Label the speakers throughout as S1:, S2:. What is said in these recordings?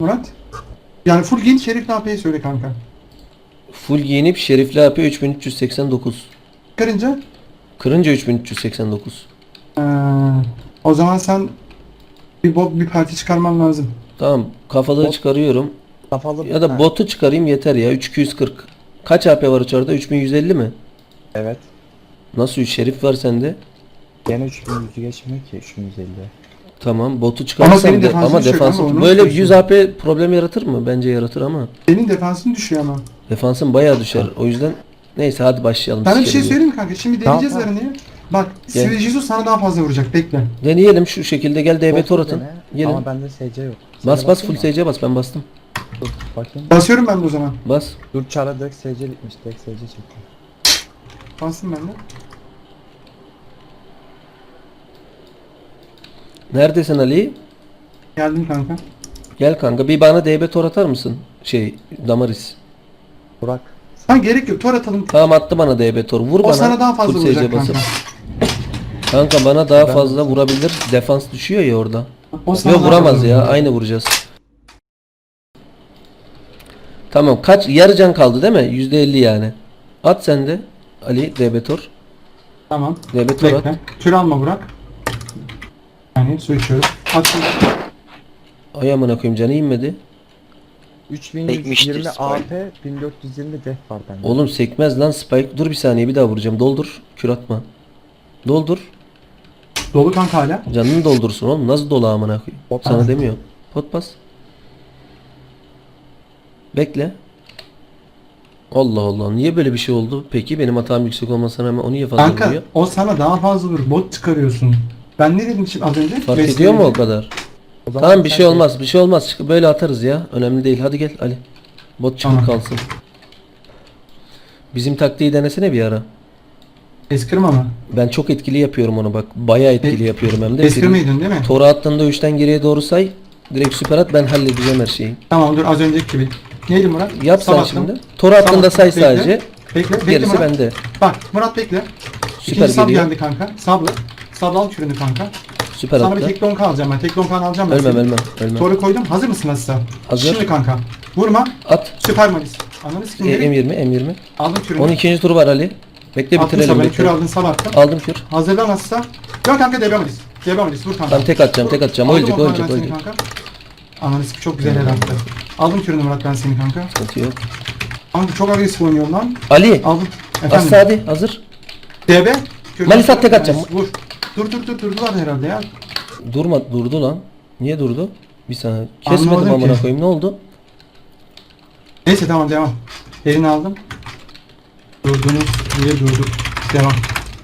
S1: Murat. Yani full giyinip Şerif'le AP'yi söyle kanka.
S2: Full giyinip şerifli AP 3389.
S1: Karınca.
S2: Kırınca 3389.
S1: Ee, o zaman sen bir parti çıkarman lazım.
S2: Tamam, kafalığı
S3: Bot-
S2: çıkarıyorum.
S3: Kafalı.
S2: Ya da botu çıkarayım yeter ya. 3240. Kaç AP var içeride? 3150 mi?
S3: Evet.
S2: Nasıl şerif var sende?
S3: Gene 3100'ü geçmiyor ki 3150.
S2: Tamam, botu
S1: senin
S2: çıkarırsam
S1: defansın
S2: ama
S1: düşüyor
S2: defans
S1: kanka, onu
S2: böyle
S1: unutmuyorsun.
S2: 100 AP problem yaratır mı? Bence yaratır ama
S1: Senin defansın düşüyor ama.
S2: defansın bayağı düşer. O yüzden neyse hadi başlayalım.
S1: Sana bir şey
S2: sikerim ya.
S1: söyleyeyim mi kanka? Şimdi
S3: Tamam,
S1: deneyeceğiz
S3: tamam.
S1: aranıyı. Bak,
S2: Gel.
S1: Sivri Jesus sana daha fazla vuracak. Bekle.
S2: Deneyelim şu şekilde, gel DB tor atın. Gelin.
S3: Ama bende SC yok.
S2: Bas
S3: Sana
S2: bas full
S3: bakayım mı?
S2: SC bas, ben bastım.
S3: Dur bakayım.
S1: Basıyorum ben de o zaman.
S2: Bas.
S3: Dur çara direkt SC bitmiş. Direkt SC çekti.
S1: Bastım ben de.
S2: Neredesin Ali?
S1: Geldim kanka.
S2: Gel kanka, bir bana DB tor atar mısın? Damaris.
S3: Burak.
S1: Ha gerek yok. Tor atalım.
S2: Tamam, attı bana DB tor. Vur
S1: O
S2: bana.
S1: sana daha fazla
S2: full
S1: vuracak
S2: SC basıp.
S1: kanka.
S2: Kanka bana daha fazla vurabilir. Defans düşüyor ya orada.
S1: O sana
S2: Yok
S1: daha
S2: vuramaz
S1: fazla
S2: ya.
S1: vuracak.
S2: Aynı vuracağız. Tamam, kaç yarı can kaldı değil mi? %50 yani. At sen de Ali DB tor.
S1: Tamam.
S2: DB tor at.
S1: Bekle. Kür alma Burak. Yani su içiyorum. Attım.
S2: Ay amına koyayım, canı inmedi.
S3: 3120 AP 1420 def var bende.
S2: Oğlum sekmez lan Spike. Dur bir saniye, bir daha vuracağım. Doldur. Kür atma. Doldur.
S1: Dolu kanka hala.
S2: Canını doldursun oğlum. Nasıl dolu amına koyayım?
S3: Pot
S2: Sana
S3: bas.
S2: demiyor. Pot bas. Bekle. Allah Allah. Niye böyle bir şey oldu? Peki benim hatam yüksek olmasına rağmen o niye fazla
S1: Kanka
S2: vuruyor?
S1: o sana daha fazla vurur. Bot çıkarıyorsun. Ben ne dedim şimdi az önce?
S2: Fark
S1: Besleyin
S2: ediyor mu o
S1: dedim.
S2: kadar?
S3: O zaman
S2: Tamam bir
S3: sen
S2: şey olmaz. Bir şey olmaz. Böyle atarız ya. Önemli değil. Hadi gel Ali. Bot çıkıp
S1: Tamam.
S2: kalsın. Bizim taktiği denesene bir ara.
S1: Eskrim ama.
S2: Ben çok etkili yapıyorum onu bak. Bayağı etkili yapıyorum hem de.
S1: Eskirmeydin değil mi?
S2: Tora attığında 3'ten geriye doğru say. Direkt süper at, ben halledeceğim her şeyi.
S1: Tamam dur az önceki gibi. Neydi Murat?
S2: Yap sen
S1: Sabahtım.
S2: şimdi. Tora attığında say
S1: Bekle.
S2: sadece.
S1: Bekle
S2: Gerisi
S1: Murat.
S2: bende.
S1: Bak Murat bekle.
S2: Süper
S1: İkinci sab
S2: geliyor.
S1: geldi kanka. Sablı. Sablı al kürünü kanka.
S2: Süper
S1: Sana bir
S2: attı.
S1: tek donka alacağım ben. Tek donka alacağım ben.
S2: Ölmem
S1: seni.
S2: ölmem.
S1: Toru koydum. Hazır mısın nasılsa?
S2: Hazır.
S1: Şimdi kanka. Vurma.
S2: At.
S1: Süper malis. Ananı sikim
S2: M20.
S1: Aldım kürünü.
S2: 12. turu var Ali. Bekle
S1: Attın
S2: bitirelim.
S1: sabını. Kür
S2: Bekle.
S1: aldın sab attım.
S2: Aldım kür.
S1: Hazırlan nasılsa. Yok kanka DB malis. DB malis. Vur kanka.
S2: Ben tek atacağım, tek atacağım.
S1: Aldım
S2: Ölecek,
S1: o
S2: ölecek,
S1: kanka ben seni
S2: ölecek.
S1: kanka. Ananı sikim çok güzel el attı. Aldım kürünü Murat ben seni kanka.
S2: Sıkıntı yok.
S1: Kanka çok agresif oynuyor lan.
S2: Ali.
S1: Aldım.
S2: Asla hadi. Hazır.
S1: DB. Kürünü
S2: Malis at, tek
S1: Malis,
S2: atacağım.
S1: Vur. Dur durdular herhalde ya.
S2: Durdu lan. Niye durdu? Bir saniye. Kesmedim
S1: Anlamadım
S2: amına
S1: ki.
S2: koyayım. Ne oldu?
S1: Neyse tamam devam. Elini aldım. Durdunuz diye durduk. Devam.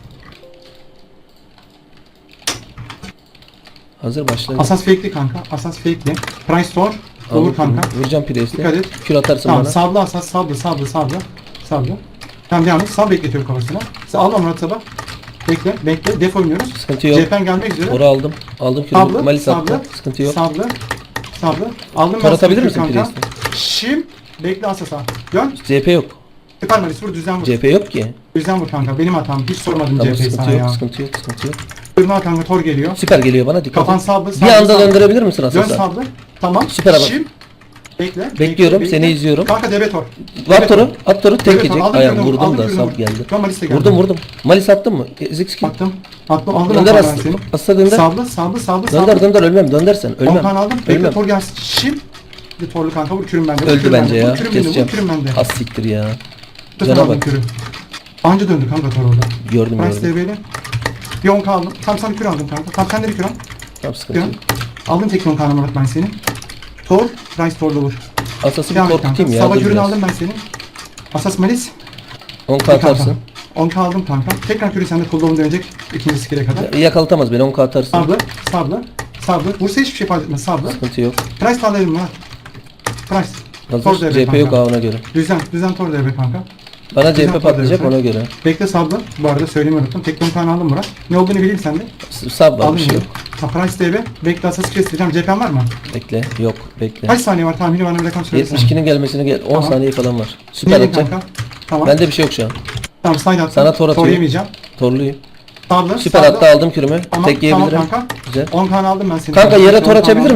S2: Hazır başla.
S1: Asas fake'li kanka. Asas fake'li. Price store.
S2: Aldım
S1: Olur kanka.
S2: kürünü. Vuracağım Priest'e.
S1: Dikkat et.
S2: Kür atarsın
S1: Tamam
S2: bana.
S1: sablı asas sablı. Tamam devam et. Sab bekletiyorum kafasına. Sen alma Murat sabah. Bekle. Def oynuyoruz.
S2: Sıkıntı yok.
S1: CHP'n gelmek üzere.
S2: Ora aldım. Aldım kürünü.
S1: Sablı.
S2: Malis attı.
S1: Sablı.
S2: Sıkıntı yok.
S1: Sablı. Aldım
S2: Tor atabilir
S1: kür
S2: misin
S1: kanka.
S2: Priest'e?
S1: Şimdi bekle asasa. Dön.
S2: CHP yok.
S1: Süper Malis vur düzen vur.
S2: CHP yok ki.
S1: Düzen vur kanka. Benim hatam. Hiç sormadım
S2: Tamam,
S1: CHP'yi sana
S2: sıkıntı
S1: ya.
S2: yok. Sıkıntı yok.
S1: Durma kanka tor geliyor.
S2: Süper geliyor bana, dikkat
S1: Kafan
S2: et.
S1: sablı.
S2: Bir anda döndürebilir misin
S1: Dön
S2: Asas'a?
S1: sablı. Tamam.
S2: Süper bak.
S1: Şimdi. Bekle.
S2: Bekliyorum, seni izliyorum.
S1: Kanka DB tor.
S2: At toru. At toru tek
S1: Evet,
S2: yiyecek.
S1: aldım
S2: Ayağım
S1: kürünü,
S2: vurdum
S1: aldım
S2: da
S1: kürünü,
S2: sap
S1: vurdum.
S2: geldi.
S1: Ben Malis'e geldim.
S2: Vurdum. Malis attın mı? Ezik skill.
S1: Attım. Aldım
S2: Dönder
S1: ben
S2: as.
S1: seni.
S2: Asla dönder.
S1: Sablı.
S2: Dönder ölmem. Döndersen
S1: 10
S2: ölmem.
S1: kan aldım. Bekle
S2: Ölmem.
S1: tor gelsin. Şimdi. Bir torlu kanka vur kürüm bende. vur
S2: Öldü
S1: kürüm
S2: bence
S1: bende,
S2: ya.
S1: Vur kürüm bende.
S2: Keseceğim.
S1: Vur kürüm bende.
S2: Az siktir ya.
S1: Tutun
S2: Cana
S1: aldım
S2: bak.
S1: kürü. Anca döndü kanka tor orada.
S2: Gördüm.
S1: Price DB'li. Bir 10 aldım. Tam sana kür aldım kanka. Tam sende bir kür al.
S2: Tamam, sıkıntı
S1: Kür.
S2: yok.
S1: Aldım tek 10 kanı Murat ben seni. Tor. Price torla vur.
S2: Asası bir
S1: Devam et
S2: tor
S1: kanka.
S2: tutayım ya.
S1: Sabah
S2: Dur
S1: kürünü
S2: biraz.
S1: aldım ben seni. Asas Malis.
S2: 10k atarsın.
S1: 10k aldım kanka. Tekrar kürü sende cooldown dönecek ikinci skill'e kadar.
S2: Yakalatamaz beni, 10k atarsın.
S1: Sablı. Vursa hiçbir şey fark etmez. Sablı.
S2: Sıkıntı yok.
S1: Price tarlayalım lan. Price. Tor
S2: Hazır.
S1: DB
S2: CHP yok
S1: kanka.
S2: ona göre.
S1: Düzen tor DB kanka.
S2: Bana
S1: Güzel
S2: CHP patlayacak
S1: tor
S2: ona göre.
S1: Bekle sablı. Bu arada söylemeyi unuttum. Tek 10 tane aldım Murat. Ne olduğunu bileyim sende.
S2: Sab var,
S1: Aldım
S2: bir şey
S1: bunu.
S2: yok.
S1: Ha, Price DB. Bekle asası kestireceğim. CHP'n var mı?
S2: Bekle. Yok. Bekle.
S1: Kaç saniye var tahmini bana bir rakam söylesene.
S2: 72'nin gelmesine gel. 10
S1: Tamam.
S2: saniye falan var. Süper
S1: Nereye
S2: atacağım.
S1: kanka? Tamam.
S2: Bende bir şey yok şu an.
S1: Tamam slide attım.
S2: Sana tor atıyorum.
S1: yemeyeceğim.
S2: Torluyum.
S1: Sablı.
S2: Süper
S1: sablı.
S2: attı, aldım kürümü.
S1: Tamam,
S2: Tek yiyebilirim.
S1: Tamam kanka.
S2: Güzel.
S1: 10 tane aldım ben seni.
S2: Kanka yere
S1: 10
S2: tor
S1: tane
S2: açabilir
S1: aldım.
S2: misin?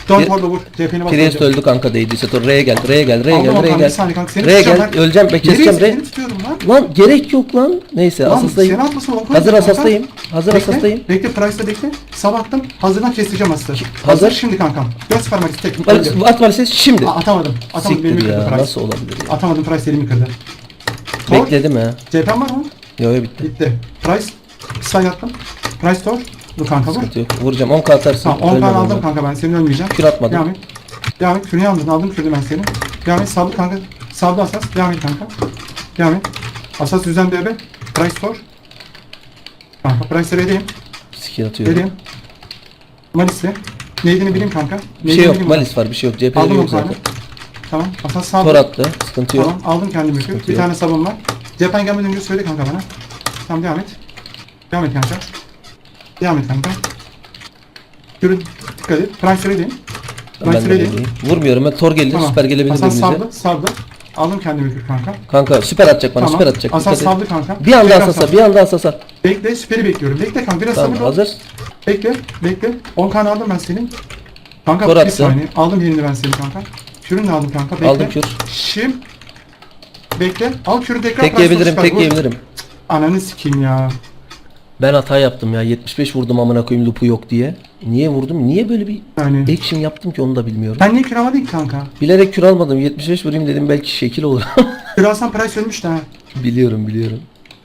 S1: Don't hold vur. CHP'ni bas.
S2: Priest öldü kanka değdiyse. Tor R'ye gel. R'ye gel. R'ye
S1: Aldım
S2: gel.
S1: Okan,
S2: R'ye
S1: bir
S2: gel.
S1: saniye kanka, seni
S2: R'ye
S1: tutacağım
S2: gel.
S1: ben.
S2: Öleceğim. Ben keseceğim.
S1: Nereye
S2: R.
S1: seni tutuyorum lan?
S2: Lan gerek yok lan. Neyse
S1: Lan
S2: asastayım.
S1: seni atmasın Okan.
S2: Hazır
S1: kanka.
S2: asastayım. Hazır
S1: Bekle,
S2: asastayım.
S1: Bekle Price'da bekle. Sabahtım. Hazırdan keseceğim aslı.
S2: Hazır.
S1: Şimdi kankam. Göz parmak tek.
S2: At maalesef şimdi.
S1: Atamadım. Atamadım. Benim
S2: Siktir
S1: kırdı
S2: ya.
S1: Price.
S2: Nasıl olabilir ya?
S1: Atamadım, Price elimi kırdı. Tor.
S2: Bekledim ha.
S1: CHP'm var mı?
S2: Yo yo bitti.
S1: Bitti. Price. Slide attım. Price Tor. Dur kanka vur.
S2: Sıkıntı yok. Vuracağım. 10k atarsın.
S1: Tamam 10
S2: Ölmem
S1: tane aldım
S2: ben.
S1: kanka, ben senin ölmeyeceğim.
S2: Kür atmadım.
S1: Devam et. Devam et. Kürünü aldın. Aldım kürünü ben senin. Devam et. Sablı kanka. Sablı asas. Devam et kanka. Devam et. Asas düzen BB. Price Tor. Kanka Price'e vereyim.
S2: Skill atıyorum.
S1: Vereyim. Malis'le. Neydiğini bileyim kanka.
S2: Bir
S1: Neydiğini
S2: şey yok.
S1: bileyim.
S2: Malis var. Bir şey yok. CHP'leri
S1: Aldım
S2: yok
S1: 10 tane.
S2: zaten.
S1: Tamam. Asas sablı.
S2: Tor attı. Sıkıntı yok.
S1: Tamam. Aldım kendimi kür.
S2: Sıkıntı
S1: Bir
S2: yok.
S1: tane sabun var. Cephen gelmeden önce söyle kanka bana. Tamam devam et. Devam et kanka. Devam et kanka. Kürün. Dikkat et. Price'e vereyim.
S2: Ben de
S1: Price'e vereyim.
S2: vereyim. Vurmuyorum. Ben Tor geldi. Süper gelebilir
S1: Asas
S2: birimize.
S1: sablı, sablı. Aldım kendimi kür kanka.
S2: Kanka süper atacak bana.
S1: Tamam.
S2: Süper atacak.
S1: Asas
S2: Dikkat et.
S1: sablı kanka.
S2: Bir anda
S1: Tekrar
S2: asasa.
S1: sablı.
S2: Bir anda asasa.
S1: Bekle, süperi bekliyorum. Bekle kanka, biraz
S2: Tamam
S1: sabırlı ol.
S2: hazır.
S1: Bekle, bekle. 10 kan aldım ben senin. Kanka
S2: Kor
S1: bir
S2: attı.
S1: saniye. Aldım yerini ben senin kanka. Kürünü de aldım kanka. Bekle.
S2: Aldım kür.
S1: Şimdi. Bekle. Al kürü tekrar.
S2: Tek
S1: Price'la
S2: yiyebilirim.
S1: süper
S2: Tek
S1: vur.
S2: yiyebilirim.
S1: Ananı sikeyim ya.
S2: Ben hata yaptım ya. 75 vurdum amına koyayım lupu yok diye. Niye vurdum? Niye böyle bir
S1: Yani.
S2: action yaptım ki onu da bilmiyorum.
S1: Ben niye kür almadın ki kanka?
S2: Bilerek kür almadım. 75 vurayım dedim belki şekil olur.
S1: Kür alsan Price ölmüş de ha.
S2: biliyorum.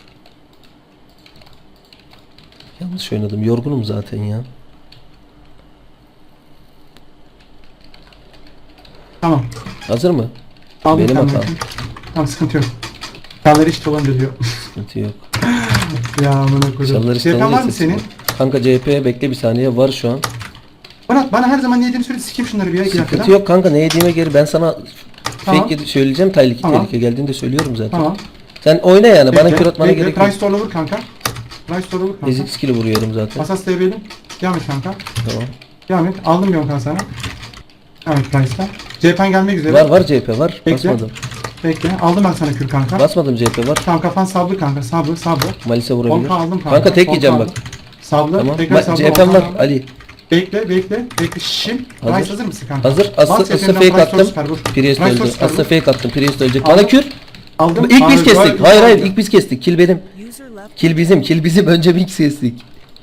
S2: Yanlış oynadım. Yorgunum zaten ya.
S1: Tamam.
S2: Hazır mı?
S1: Aldım
S2: Benim
S1: kendimi.
S2: hatam.
S1: Tamam sıkıntı yok. Kalları işte olunca diyor.
S2: Sıkıntı yok.
S1: Ya amına koydum.
S2: Çalları işte
S1: CHP'n var
S2: alınca
S1: mı
S2: sesim
S1: senin?
S2: var. Kanka CHP bekle bir saniye var şu an.
S1: Bana her zaman ne yediğini söyle, sikeyim şunları bir ya, 2
S2: Sıkıntı
S1: dakikada.
S2: yok kanka ne yediğime geri ben sana
S1: Tamam.
S2: fake söyleyeceğim tehlike
S1: Tamam.
S2: tehlike geldiğinde söylüyorum zaten.
S1: Tamam.
S2: Sen oyna yani bana
S1: Bekle,
S2: kür atmana
S1: bekle.
S2: gerek yok.
S1: Price Store'la vur kanka. Price Store'la vur kanka.
S2: Ezik skill'i vuruyorum zaten.
S1: Asas DB'li. Devam et kanka.
S2: Tamam.
S1: Devam et. Aldım bir 10 kan sana. Devam et Price'la. CHP'n gelmek üzere.
S2: Var CHP var.
S1: Bekle.
S2: Basmadım.
S1: Bekle. Aldım ben sana kür kanka.
S2: Basmadım CHP var.
S1: Tamam kafan sablı kanka. Sablı.
S2: Malis'e
S1: 10
S2: vurabilir.
S1: kan aldım kanka.
S2: Kanka tek
S1: 10
S2: yiyeceğim
S1: kan
S2: bak.
S1: aldım. Sablı.
S2: Tamam.
S1: Tekrar sablı. 10
S2: CHP'm
S1: kan
S2: var
S1: aldım.
S2: Ali.
S1: Bekle. Şimdi.
S2: Hazır.
S1: Price hazır mısın kanka?
S2: Hazır.
S1: Bas
S2: Asla
S1: CHP'den
S2: fake
S1: Price
S2: attım.
S1: süper vur.
S2: Priest
S1: Price
S2: öldü.
S1: süper
S2: Asla
S1: vur.
S2: fake attım. Priest ölecek.
S1: Aldım.
S2: Bana kür.
S1: Aldım.
S2: İlk biz
S1: Abi,
S2: kestik.
S1: böyle-
S2: Hayır ilk biz kestik. Kill benim. Kill bizim. Önce biz kestik.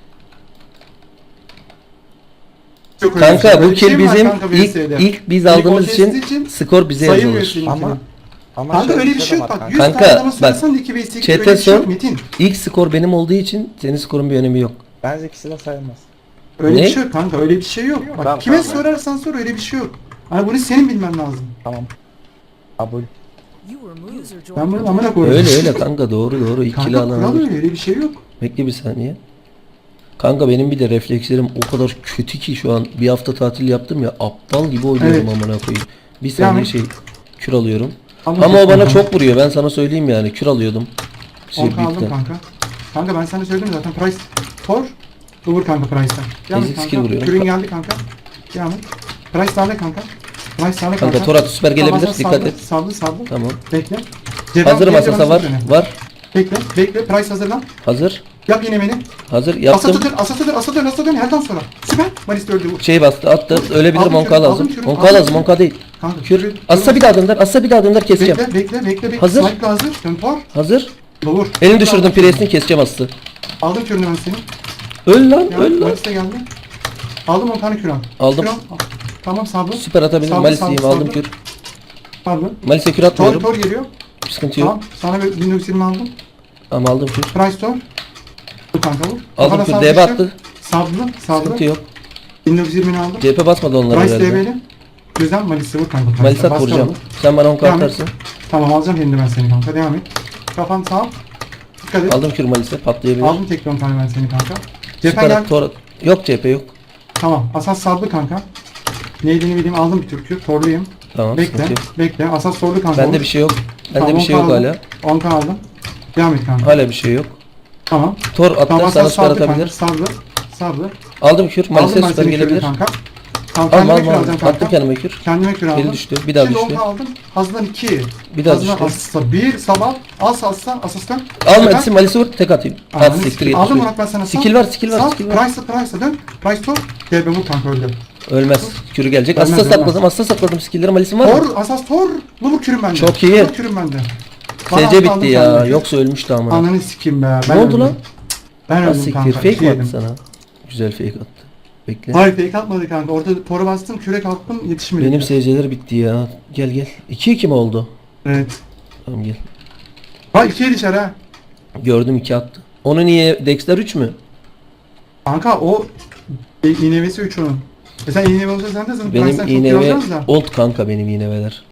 S1: Çok öyle bir şey.
S2: Kanka bu
S1: Öyle bir şey
S2: kill
S1: mi var
S2: bizim.
S1: kanka
S2: İlk
S1: VS'de?
S2: biz
S1: İlk
S2: aldığımız
S1: o kestiği
S2: için skor bize
S1: sayılmıyor
S2: yazılır.
S1: senin
S3: Ama
S1: kilin.
S3: ama
S1: Kanka
S3: şöyle
S1: öyle bir şey
S3: de
S1: yok
S3: var
S1: bak. 100
S2: Kanka,
S1: tane adama
S2: bak,
S1: sorarsan 2 vs 2
S2: Chat'e
S1: öyle bir şey yok
S2: sor.
S1: Metin.
S2: İlk skor benim olduğu için senin skorun bir önemi yok.
S3: Bence ikisi de sayılmaz.
S1: Öyle
S2: Ne?
S1: bir şey yok kanka, öyle bir şey yok. Bak
S3: Tamam,
S1: kime
S3: tamam.
S1: sorarsan sor, öyle bir şey yok. Hani bunu senin bilmen lazım.
S3: Tamam. Kabul.
S1: Ben bunu amına koyayım.
S2: Öyle kanka doğru. İkili
S1: Kanka
S2: alan
S1: kural
S2: alır.
S1: öyle bir şey yok.
S2: Bekle bir saniye. Kanka benim bir de reflekslerim o kadar kötü ki şu an bir hafta tatil yaptım ya aptal gibi oynuyorum
S1: Evet.
S2: amına koyayım. Bir saniye
S1: Yani-
S2: kür alıyorum.
S1: Aldım
S2: Ama o bana
S1: kanka.
S2: çok vuruyor ben sana söyleyeyim yani kür alıyordum.
S1: 10 aldım
S2: Büyükten.
S1: kanka. Kanka ben sana söyledim zaten Price Tor. Vur kanka Price'tan. Devam et
S2: Ezik skill
S1: kanka.
S2: vuruyorum.
S1: Kürün geldi kanka. Devam et. Price sağla kanka. Price sağla kanka.
S2: Kanka Torat süper gelebilir
S1: Tamam,
S2: dikkat
S1: sablı,
S2: et.
S1: Sablı.
S2: Tamam.
S1: Bekle.
S2: Hazırım
S1: Cevap
S2: asasa var.
S1: gelince
S2: Var.
S1: Bekle. Price hazırlan.
S2: Hazır.
S1: Yap yine beni.
S2: Hazır yaptım.
S1: Asatı dön. Herden sonra. Süper. Malis de öldü. Vur.
S2: Şey bastı attı. Ölebilirim
S1: Aldım
S2: 10k
S1: kürü,
S2: lazım.
S1: aldım kürü,
S2: 10k
S1: aldım
S2: lazım
S1: kürü.
S2: 10k değil.
S1: Kanka.
S2: Kür. Assa bir daha dönder keseceğim.
S1: Bekle.
S2: Hazır.
S1: Snipe hazır. Dön Tor.
S2: Hazır.
S1: Vur.
S2: Elini düşürdüm presini keseceğim aslı.
S1: Aldım kürünü ben seni.
S2: Öl lan
S1: Ya,
S2: öl lan.
S1: Malis de geldi. Aldım 10 tane kür al.
S2: Aldım.
S1: Kür al. Tamam sablı.
S2: Süper atabilirim.
S1: Sablı,
S2: Malis'iyim
S1: sablı,
S2: aldım
S1: sablı.
S2: kür.
S1: Sablı.
S2: Malis'e kür
S1: Tor
S2: atmıyorum.
S1: geliyor.
S2: Sıkıntı yok.
S1: Tamam. Sana bir 1920 aldım.
S2: Ama aldım kür.
S1: Price Tor. Dur kanka vur.
S2: Aldım
S1: Kafana
S2: kür.
S1: sablı
S2: DB
S1: işte.
S2: attı.
S1: Sablı.
S2: Sıkıntı yok.
S1: 1920'ni aldım.
S2: CHP basmadı onlar
S1: Price
S2: herhalde.
S1: DB'li. Güzel Malis'e vur kanka.
S2: Malis'e
S1: Bas
S2: vuracağım.
S1: kaldı.
S2: Sen bana 10k
S1: Devam et.
S2: atarsın.
S1: Tamam alacağım şimdi ben seni kanka. Devam et. Kafan sağ. Dikkat et.
S2: Aldım kür Malis'e patlayabilir.
S1: Aldım tek 10 tane ben seni kanka. Cephen
S2: Süper
S1: gel.
S2: at. Torat. Yok CHP yok.
S1: Tamam. Asas sablı kanka. Neydiğini bileyim aldım bir türkü. Torluyum.
S2: Tamam
S1: Bekle.
S2: sıkıntı yok.
S1: Bekle. Asas sordu kanka.
S2: Bende
S1: vur.
S2: bir şey yok. Bende
S1: Tamam,
S2: bir şey yok
S1: 10K aldım.
S2: hala.
S1: 10k aldım. Devam et kanka.
S2: Hala bir şey yok.
S1: Tamam.
S2: Tor attı
S1: Tamam
S2: sana
S1: asas
S2: süper
S1: sablı kanka.
S2: atabilir.
S1: Sablı.
S2: Aldım kür.
S1: Aldım
S2: Malis'e
S1: ben
S2: süper
S1: seni kürünü
S2: gelebilir.
S1: kanka. Tamam
S2: Alma
S1: kendime kür
S2: alma.
S1: alacağım
S2: Attım
S1: kanka.
S2: kendime kür.
S1: Kendime kür aldım.
S2: Geri düştü. Bir daha
S1: Şimdi
S2: düştü.
S1: 10k aldım. Hazırdan 2.
S2: Bir daha
S1: Hazırdan
S2: düştü.
S1: asla 1 sabah. Asastan.
S2: Alma etsin Malis'e vur tek atayım. At siktir
S1: Aldım
S2: yetmiş.
S1: Murat ben sana.
S2: Skill var skill var
S1: Sal.
S2: skill var.
S1: Price'la dön. Price top. DB vur kanka öldü.
S2: Ölmez. Kürü gelecek.
S1: Ölmez,
S2: Asla
S1: ölmez.
S2: sakladım. Asla sakladım. Skill'lerim Alice'im var mı?
S1: Tor, asas tor. Lumuk kürüm bende.
S2: Çok iyi.
S1: Lumuk kürüm bende. Bana
S2: SC
S1: aldım
S2: bitti ya.
S1: senden.
S2: Yoksa ölmüştü ama.
S1: Ananı sikeyim be.
S2: Ne oldu
S1: öldüm.
S2: lan?
S1: Ben
S2: Ha
S1: öldüm
S2: siktir.
S1: kanka.
S2: Fake
S1: iki
S2: mi attı
S1: yedim.
S2: sana? Güzel fake attı. Bekle.
S1: Hayır fake atmadı kanka. Orada tora bastım, kürek attım, yetişmedi.
S2: Benim SC'ler bitti ya. Gel gel. 2-2 mi oldu?
S1: Evet.
S2: Tamam gel.
S1: Ha 2'ye düşer ha.
S2: Gördüm 2 attı. Onu niye? Dexter 3 mü?
S1: Kanka o iğnevesi 3 onun. Sen iğnevi olsa sen de zaten
S2: Benim
S1: Price'den çok iyi
S2: iğneve
S1: alacaksınız da.
S2: old kanka benim iğneveler.